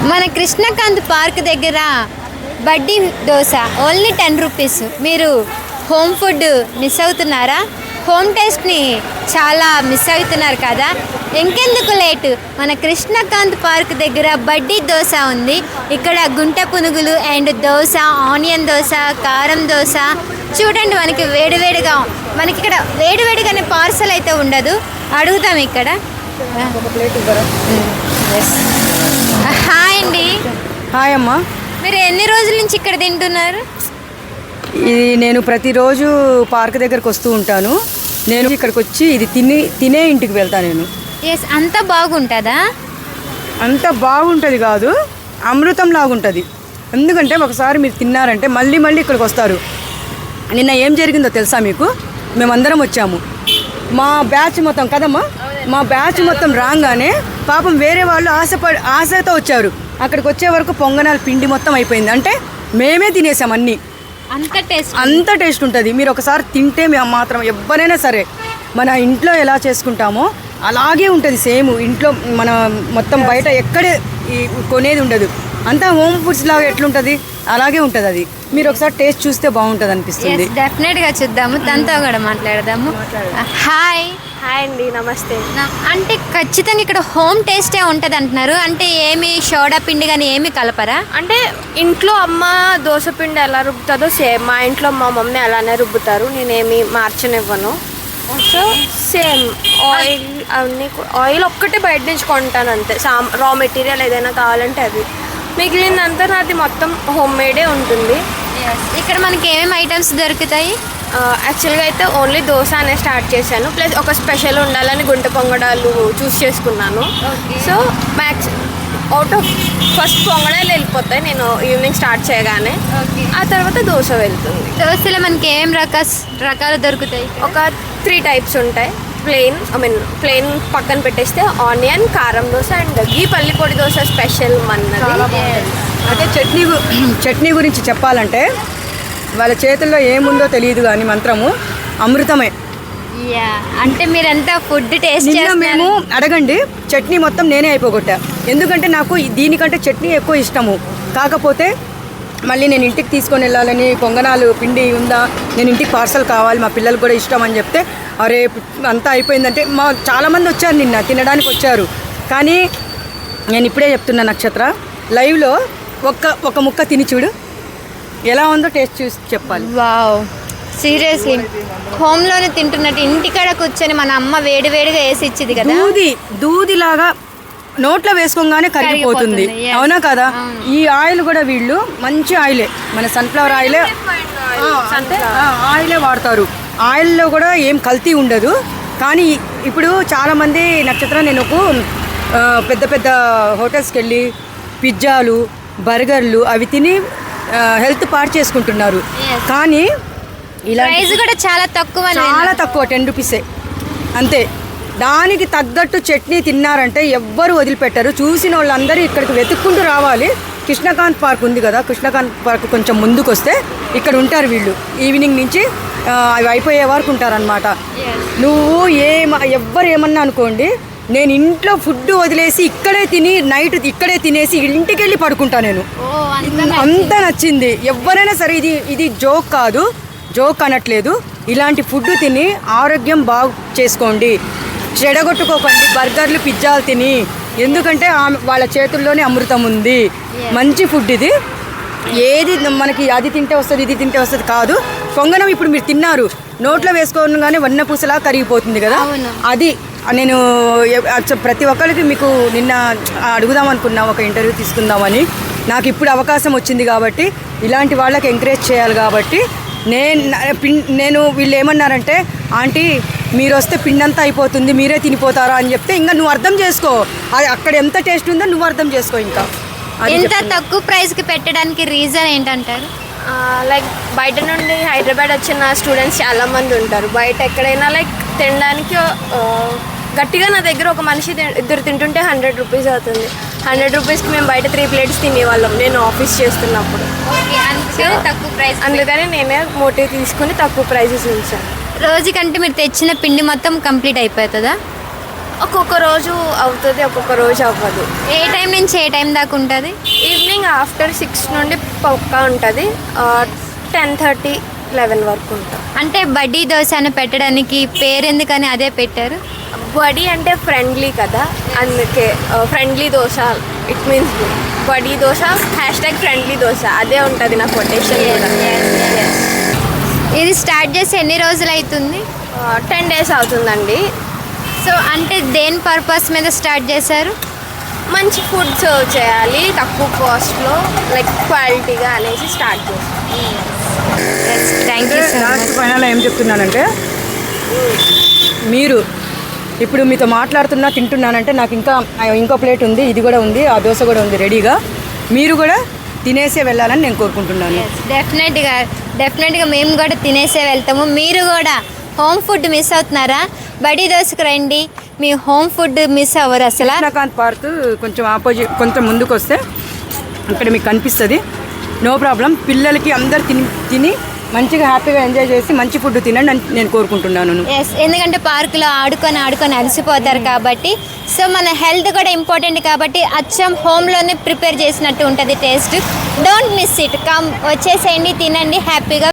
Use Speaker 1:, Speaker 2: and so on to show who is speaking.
Speaker 1: మన కృష్ణకాంత్ పార్క్ దగ్గర బడ్డీ దోశ ఓన్లీ 10 రూపీస్. మీరు హోమ్ ఫుడ్ మిస్ అవుతున్నారా? హోమ్ టేస్ట్ని చాలా మిస్ అవుతున్నారు కదా. ఇంకెందుకు లేటు, మన కృష్ణకాంత్ పార్క్ దగ్గర బడ్డీ దోశ ఉంది. ఇక్కడ గుంట పునుగులు అండ్ దోశ, ఆనియన్ దోశ, కారం దోశ చూడండి. మనకి వేడివేడిగా, మనకి ఇక్కడ వేడివేడిగానే పార్సల్ అయితే ఉండదు. అడుగుతాం ఇక్కడ. హాయ్ అండి.
Speaker 2: హాయ్ అమ్మా.
Speaker 1: మీరు ఎన్ని రోజుల నుంచి ఇక్కడ తింటున్నారు?
Speaker 2: ఇది నేను ప్రతిరోజు పార్క్ దగ్గరకు వస్తూ ఉంటాను. నేను ఇక్కడికి వచ్చి ఇది తినే ఇంటికి వెళ్తాను నేను.
Speaker 1: ఎస్, అంత బాగుంటుందా?
Speaker 2: అంత బాగుంటుంది కాదు, అమృతం లాగుంటుంది. ఎందుకంటే ఒకసారి మీరు తిన్నారంటే మళ్ళీ మళ్ళీ ఇక్కడికి వస్తారు. నిన్న ఏం జరిగిందో తెలుసా మీకు? మేమందరం వచ్చాము, మా బ్యాచ్ మొత్తం కదమ్మా, మా బ్యాచ్ మొత్తం రాగానే పాపం వేరే వాళ్ళు ఆశతో వచ్చారు. అక్కడికి వచ్చే వరకు పొంగనాల పిండి మొత్తం అయిపోయింది. అంటే మేమే తినేసాం అన్నీ. అంత టేస్ట్ ఉంటుంది. మీరు ఒకసారి తింటే మేము మాత్రం ఎవరైనా సరే మన ఇంట్లో ఎలా చేసుకుంటామో అలాగే ఉంటుంది సేమ్. ఇంట్లో మన మొత్తం బయట ఎక్కడే కొనేది ఉండదు. అంతా హోమ్ ఫుడ్స్ లాగా ఎట్లుంటుంది అలాగే ఉంటుంది. అది మీరు ఒకసారి టేస్ట్ చూస్తే బాగుంటుంది అనిపిస్తుంది.
Speaker 1: డెఫినెట్గా చూద్దాము, తనతో కూడా మాట్లాడదాము. హాయ్.
Speaker 3: హాయ్ అండి, నమస్తే.
Speaker 1: అంటే ఖచ్చితంగా ఇక్కడ హోమ్ టేస్టే ఉంటుంది అంటున్నారు. అంటే ఏమి సోడా పిండి కానీ ఏమి కలపరా?
Speaker 3: అంటే ఇంట్లో అమ్మ దోశ పిండి ఎలా రుబ్బుతుందో సేమ్ మా ఇంట్లో మా మమ్మీ అలానే రుబ్బుతారు. నేనేమి మార్చనివ్వను. సో సేమ్ ఆయిల్ అవన్నీ, ఆయిల్ ఒక్కటే బయట నుంచి కొంటాను అంతే. రా మెటీరియల్ ఏదైనా కావాలంటే అది, మిగిలిందంతా నాది మొత్తం హోమ్ మేడే ఉంటుంది.
Speaker 1: ఇక్కడ మనకి ఏమేమి ఐటమ్స్ దొరుకుతాయి?
Speaker 3: యాక్చువల్గా అయితే ఓన్లీ దోశ అనే స్టార్ట్ చేశాను. ప్లస్ ఒక స్పెషల్ ఉండాలని గుంట పొంగడాలు చూస్ చేసుకున్నాను. So max out of first పొంగడాలు వెళ్ళిపోతాయి నేను ఈవినింగ్ స్టార్ట్ చేయగానే. ఆ తర్వాత దోశ వెళ్తుంది.
Speaker 1: దోశలో మనకి ఏం రకాలు దొరుకుతాయి?
Speaker 3: ఒక 3 టైప్స్ ఉంటాయి. ప్లెయిన్ పక్కన పెట్టేస్తే ఆనియన్, కారం దోశ అండ్ ఈ పల్లిపొడి దోశ స్పెషల్ మన్నది.
Speaker 2: అదే చట్నీ గురించి చెప్పాలంటే వాళ్ళ చేతుల్లో ఏముందో తెలియదు కానీ మంత్రము అమృతమే.
Speaker 1: అంటే మీరంతా ఫుడ్ టేస్ట్
Speaker 2: మేము అడగండి, చట్నీ మొత్తం నేనే అయిపోగొట్టా. ఎందుకంటే నాకు దీనికంటే చట్నీ ఎక్కువ ఇష్టము. కాకపోతే మళ్ళీ నేను ఇంటికి తీసుకొని వెళ్ళాలని, పొంగనాలు పిండి ఉందా, నేను ఇంటికి పార్సల్ కావాలి, మా పిల్లలకు కూడా ఇష్టం అని చెప్తే అరే అంతా అయిపోయిందంటే చాలామంది వచ్చారు నిన్న తినడానికి వచ్చారు. కానీ నేను ఇప్పుడే చెప్తున్నా నక్షత్ర, లైవ్లో ఒక ముక్క తిని చూడు ఎలా ఉందో టేస్ట్ చూసి చెప్పాలి.
Speaker 1: వావ్, సీరియస్లీ హోమ్లోనే తింటున్నట్టు. ఇంటికాడ కూర్చొని మన అమ్మ వేడివేడిగా వేసి ఇచ్చింది కదా,
Speaker 2: దూదిలాగా నోట్లో వేసుకోగానే కరిగిపోతుంది. అవునా కదా? ఈ ఆయిల్ కూడా వీళ్ళు మంచి ఆయిలే, మన సన్ఫ్లవర్ ఆయిలే వాడతారు. ఆయిల్లో కూడా ఏం కల్తీ ఉండదు. కానీ ఇప్పుడు చాలామంది నక్షత్రం, నేను పెద్ద పెద్ద హోటల్స్కి వెళ్ళి పిజ్జాలు, బర్గర్లు అవి తిని హెల్త్ పాడు చేసుకుంటున్నారు. కానీ ఇలా
Speaker 1: కూడా చాలా తక్కువ
Speaker 2: 10 రూపీసే అంతే. దానికి తగ్గట్టు చట్నీ తిన్నారంటే ఎవ్వరు వదిలిపెట్టరు. చూసిన వాళ్ళందరూ ఇక్కడికి వెతుక్కుంటూ రావాలి. కృష్ణకాంత్ పార్క్ ఉంది కదా, కృష్ణకాంత్ పార్క్ కొంచెం ముందుకు వస్తే ఇక్కడ ఉంటారు వీళ్ళు. ఈవినింగ్ నుంచి అవి అయిపోయే వరకు ఉంటారనమాట. నువ్వు ఎవ్వరు ఏమన్నా అనుకోండి, నేను ఇంట్లో ఫుడ్ వదిలేసి ఇక్కడే తిని నైట్ ఇక్కడే తినేసి ఇంటికి వెళ్ళి పడుకుంటా. నేను అంత నచ్చింది. ఎవరైనా సరే, ఇది జోక్ కాదు, జోక్ అనట్లేదు. ఇలాంటి ఫుడ్ తిని ఆరోగ్యం బాగు చేసుకోండి, చెడగొట్టుకోకండి బర్గర్లు పిజ్జాలు తిని. ఎందుకంటే వాళ్ళ చేతుల్లోనే అమృతం ఉంది. మంచి ఫుడ్ ఇది. ఏది మనకి అది తింటే వస్తుంది ఇది తింటే వస్తుంది కాదు. పొంగనం ఇప్పుడు మీరు తిన్నారు, నోట్లో వేసుకోగానే వన్నపూసలా కరిగిపోతుంది కదా. అది నేను ప్రతి ఒక్కరికి మీకు నిన్న అడుగుదాం అనుకున్నా, ఒక ఇంటర్వ్యూ తీసుకుందామని. నాకు ఇప్పుడు అవకాశం వచ్చింది కాబట్టి, ఇలాంటి వాళ్ళకి ఎంకరేజ్ చేయాలి కాబట్టి నేను వీళ్ళు ఏమన్నారంటే, ఆంటీ మీరు వస్తే పిండంతా అయిపోతుంది, మీరే తినిపోతారా అని చెప్తే, ఇంకా నువ్వు అర్థం చేసుకో అది అక్కడ ఎంత టేస్ట్ ఉందో నువ్వు అర్థం చేసుకో. ఇంకా
Speaker 1: ఎంత తక్కువ ప్రైస్కి పెట్టడానికి రీజన్ ఏంటంటారు?
Speaker 3: లైక్ బయట నుండి హైదరాబాద్ వచ్చిన స్టూడెంట్స్ చాలామంది ఉంటారు. బయట ఎక్కడైనా లైక్ తినడానికి గట్టిగా నా దగ్గర ఒక మనిషి ఇద్దరు తింటుంటే 100 రూపీస్ అవుతుంది. 100 రూపీస్కి మేము బయట 3 ప్లేట్స్ తినేవాళ్ళం నేను ఆఫీస్ చేస్తున్నప్పుడు.
Speaker 1: తక్కువ ప్రైస్,
Speaker 3: అందుకని నేనే మోటివ్ తీసుకుని తక్కువ ప్రైజెస్ ఉంచాను.
Speaker 1: రోజుకంటే మీరు తెచ్చిన పిండి మొత్తం కంప్లీట్ అయిపోతుందా?
Speaker 3: ఒక్కొక్క రోజు అవుతుంది, ఒక్కొక్క రోజు అవ్వదు.
Speaker 1: ఏ టైం నుంచి ఏ టైం దాకా ఉంటుంది?
Speaker 3: ఈవినింగ్ ఆఫ్టర్ 6 నుండి పక్కా ఉంటుంది, 10:30, 11 వరకు ఉంటుంది.
Speaker 1: అంటే బడ్డీ దోశ అని పెట్టడానికి పేరు ఎందుకని అదే పెట్టారు?
Speaker 3: బడి అంటే ఫ్రెండ్లీ కదా, అందుకే ఫ్రెండ్లీ దోశ. ఇట్ మీన్స్ బడి దోశ #ఫ్రెండ్లీ దోశ అదే ఉంటుంది నా కొటేషన్ కూడా.
Speaker 1: ఇది స్టార్ట్ చేసి ఎన్ని రోజులు అవుతుంది?
Speaker 3: 10 days అవుతుందండి.
Speaker 1: సో అంటే దేని పర్పస్ మీద స్టార్ట్ చేశారు?
Speaker 3: మంచి ఫుడ్ సర్వ్ చేయాలి తక్కువ కాస్ట్లో, లైక్ క్వాలిటీగా అనేసి స్టార్ట్ చేస్తాం.
Speaker 1: Thank you so
Speaker 2: last
Speaker 1: much.
Speaker 2: Final ఏం చెప్తున్నానంటే, మీరు ఇప్పుడు మీతో మాట్లాడుతున్నా తింటున్నానంటే నాకు ఇంకా ఇంకో ప్లేట్ ఉంది, ఇది కూడా ఉంది, ఆ దోశ కూడా ఉంది రెడీగా. మీరు కూడా తినేసే వెళ్ళాలని నేను కోరుకుంటున్నాను.
Speaker 1: డెఫినెట్గా మేము కూడా తినేసే వెళ్తాము. మీరు కూడా హోమ్ ఫుడ్ మిస్ అవుతున్నారా? బడి దోశకు రండి, మీ హోమ్ ఫుడ్ మిస్ అవ్వరు అసలు.
Speaker 2: కృష్ణకాంత్ పార్క్ కొంచెం ఆపోజిట్, కొంచెం ముందుకు వస్తే అక్కడ మీకు కనిపిస్తుంది. No problem. పిల్లలకి అందరు తిని మంచిగా హ్యాపీగా ఎంజాయ్ చేసి మంచి ఫుడ్ తినండి అని నేను కోరుకుంటున్నాను.
Speaker 1: ఎస్, ఎందుకంటే పార్కులో ఆడుకొని అలసిపోతారు కాబట్టి. సో మన హెల్త్ కూడా ఇంపార్టెంట్ కాబట్టి అచ్చం హోమ్లోనే ప్రిపేర్ చేసినట్టు ఉంటుంది taste. Don't miss it. Come, వచ్చేసేయండి, తినండి హ్యాపీగా.